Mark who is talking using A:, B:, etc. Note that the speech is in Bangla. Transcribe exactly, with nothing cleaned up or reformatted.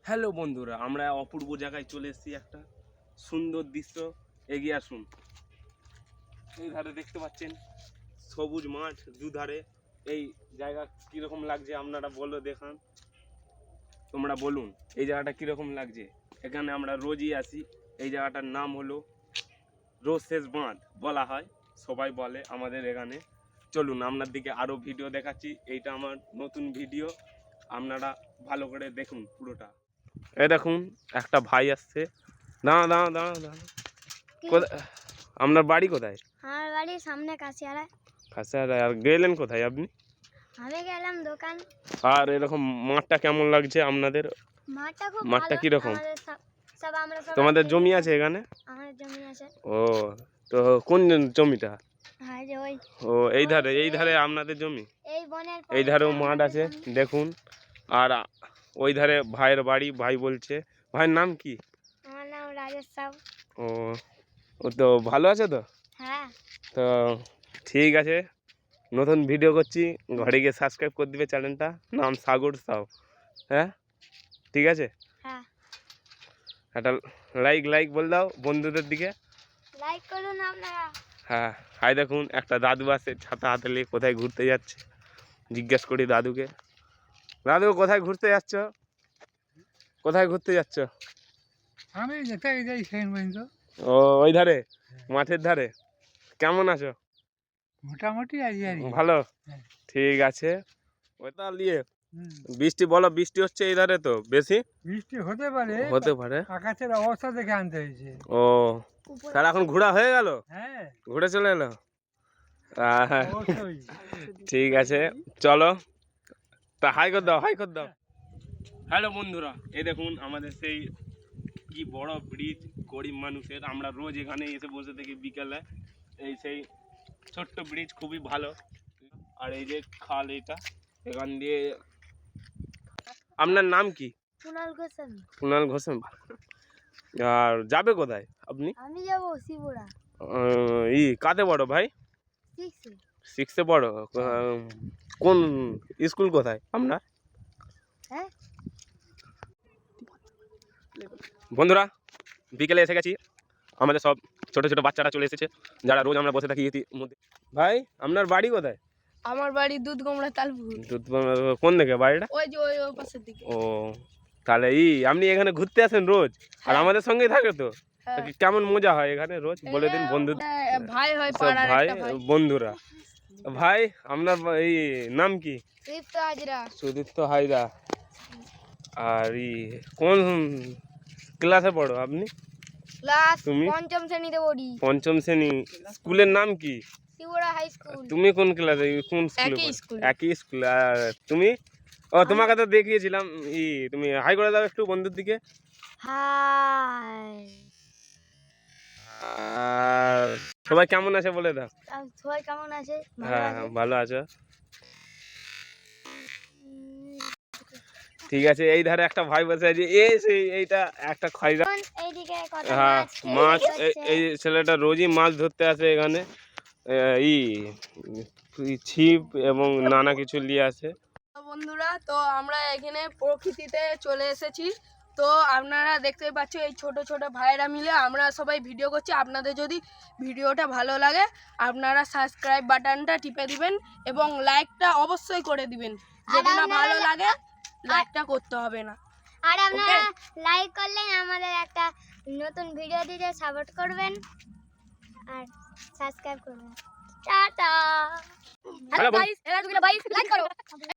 A: হ্যালো বন্ধুরা, আমরা অপূর্ব জায়গায় চলে এসেছি। একটা সুন্দর দৃশ্য, এগিয়ে আসুন। এই ধারে দেখতে পাচ্ছেন সবুজ মাঠ, দুধারে। এই জায়গা কীরকম লাগছে আপনারা বলো, দেখান, তোমরা বলুন এই জায়গাটা কীরকম লাগছে। এখানে আমরা রোজই আসি। এই জায়গাটার নাম হলো রোজ শেষ বাঁধ বলা হয়, সবাই বলে আমাদের এখানে। চলুন আপনার দিকে আরও ভিডিও দেখাচ্ছি। এইটা আমার নতুন ভিডিও, আপনারা ভালো করে দেখুন পুরোটা। এই দেখুন একটা ভাই আসছে। দাঁড়া দাঁড়া দাঁড়া দাঁড়া কোথায় আপনার বাড়ি? কোথায়?
B: আমার বাড়ির সামনে কাশিয়ারা।
A: কাশিয়ারা। আর গেলেন কোথায় আপনি?
B: আমি গেলাম দোকান।
A: আর এরকম মাঠটা কেমন লাগছে আপনাদের?
B: মাঠটা খুব
A: মাঠটা
B: ভালো।
A: কিরকম?
B: আমাদের সব সব আমরা সব
A: তোমাদের জমি আছে এখানে?
B: আমাদের জমি আছে।
A: ও, তো কোন জমিটা?
B: হ্যাঁ যে ওই।
A: ও, এই ধারে, এই ধারে আপনাদের জমি।
B: এই বনের
A: এই ধারেও মাঠ আছে দেখুন। আর ওই ধারে ভাইয়ের বাড়ি। ভাই বলছে, ভাইয়ের নাম কি?
B: আমার নাম রাজেশ সাউ।
A: ও, ও তো ভালো আছে তো?
B: হ্যাঁ।
A: তো ঠিক আছে, নতুন ভিডিও করছি, ঘরে গিয়ে সাবস্ক্রাইব করে দিবে চ্যানেলটা, নাম সাগর সাউ। হ্যাঁ ঠিক আছে।
B: হ্যাঁ,
A: একটা লাইক লাইক বল দাও বন্ধুদের দিকে।
B: লাইক করুন আপনারা।
A: হ্যাঁ, হাই দেখুন একটা দাদু আছে ছাতা হাতে নিয়ে, কোথায় ঘুরতে যাচ্ছে জিজ্ঞেস করি দাদুকে। দাদু কোথায় ঘুরতে যাচ্ছ? কোথায় ঘুরতে যাচ্ছ?
C: আমি যেতে যাই সেই পর্যন্ত।
A: ও, ওই ধারে মাঠের ধারে। কেমন আছো?
C: মোটামুটি আছি আর কি।
A: ভালো।
C: হ্যাঁ।
A: ঠিক আছে। ওইটা নিয়ে
C: হুম।
A: বৃষ্টি বলো, বৃষ্টি হচ্ছে এই ধারে তো বেশি?
C: বৃষ্টি হতে পারে,
A: হতে পারে।
C: আকাশের অবস্থা দেখে আনতে হয়েছে।
A: ও, তাহলে এখন ঘোরা হয়ে গেল?
C: হ্যাঁ,
A: ঘুরে চলে এলো। আহ,
C: অবশ্যই।
A: ঠিক আছে, চলো তা হাই কর দাও, হাই কর দাও। হ্যালো বন্ধুরা, এই দেখুন আমাদের সেই কি বড় ব্রিজ, গরিব মানুষের। আমরা রোজ এখানে এসে বসে থাকি বিকেলে। এই সেই ছোট্ট ব্রিজ, খুবই ভালো। আর এই যে খাল, এটা এখান দিয়ে। আপনার নাম কি?
B: কুনাল গোস্বামী।
A: কুনাল ঘোষাল। আর যাবে কোথায় আপনি?
B: আমি যাব শিবুড়া।
A: আহ, ই কাতে বড় ভাই?
B: সিক্সে।
A: সিক্সে বড়। আহ, কোন স্কুল কোথায় আপনার?
B: হ্যাঁ।
A: বন্ধুরা, বিকেলে এসে গেছি। আমাদের সব ছোট ছোট বাচ্চারা চলে এসেছে, যারা রোজ আমরা বসে থাকি ইতির মধ্যে। ভাই আপনার বাড়ি কোথায়?
D: আমার বাড়ি দুধ গোমড়া তালপুর।
A: দুধ কোন দিকে বাড়িটা?
D: ওই যে ওই ওই পাশের দিকে।
A: ও, তাহলে ই আপনি এখানে ঘুরতে আসেন রোজ? আর আমাদের সঙ্গেই থাকে তো?
D: হ্যাঁ।
A: তা কি কেমন মজা হয় এখানে রোজ বলে দিন বন্ধু।
D: হ্যাঁ, ভাই হয়
A: সব
D: পাড়ার
A: ভাই
D: একটা ভাই।
A: বন্ধুরা। ভাই আপনার বা- এই নাম কি?
D: সুদীপ্ত হাজরা।
A: সুদীপ্ত হাইদা। আর ই কোন ক্লাসে পড়ো আপনি?
D: ক্লাস
A: তুমি?
D: পঞ্চম শ্রেণীতে পড়ি।
A: পঞ্চম শ্রেণী। স্কুলের নাম কি?
D: Shibura high school.
A: তুমি কোন ক্লাসে, কোন স্কুলে
D: একই
A: পড়ো?
D: স্কুলে।
A: একই স্কুল। আর তুমি? ও, তোমাকে তো দেখিয়েছিলাম। ই তুমি হাই করে দাও একটু বন্ধুর দিকে।
B: হাই।
A: আর সবাই কেমন আছে বলে দাও।
B: আর সবাই কেমন আছে? ভালো
A: হ্যাঁ
B: আছে?
A: ভালো আছো? ঠিক আছে, এই ধারে একটা ভাই বসে আছে। এই সেই এইটা একটা খয়রা।
B: এখন এইদিকে কত
A: হ্যাঁ,
B: মাছ
A: মাছ।
B: খেতে
A: এই- এই ছেলেটা রোজই মাছ ধরতে আসে এখানে। আহ, ই ই ছিপ এবং নানা কিছু নিয়ে আসে।
D: তো বন্ধুরা, তো আমরা এখানে প্রকৃতিতে চলে এসেছি। তো আপনারা দেখতে পাচ্ছ এই ছোট ছোট ভাইয়েরা মিলে আমরা সবাই ভিডিও করছি। আপনাদের যদি ভিডিওটা ভালো লাগে আপনারা সাবস্ক্রাইব বাটনটা টিপে দিবেন এবং লাইকটা অবশ্যই করে দিবেন। যদি না
B: আপনারা-
D: ভালো লাগে লাইকটা করতে হবে না।
B: আর আপনারা লাইক করলে আমাদের একটা নতুন ভিডিও দিতে সাপোর্ট করবেন আর সাবস্ক্রাইব করবেন। টাটা।
A: হ্যালো বন্ধু-
D: গাইস, এরা দুটো গাইস লাইক করো।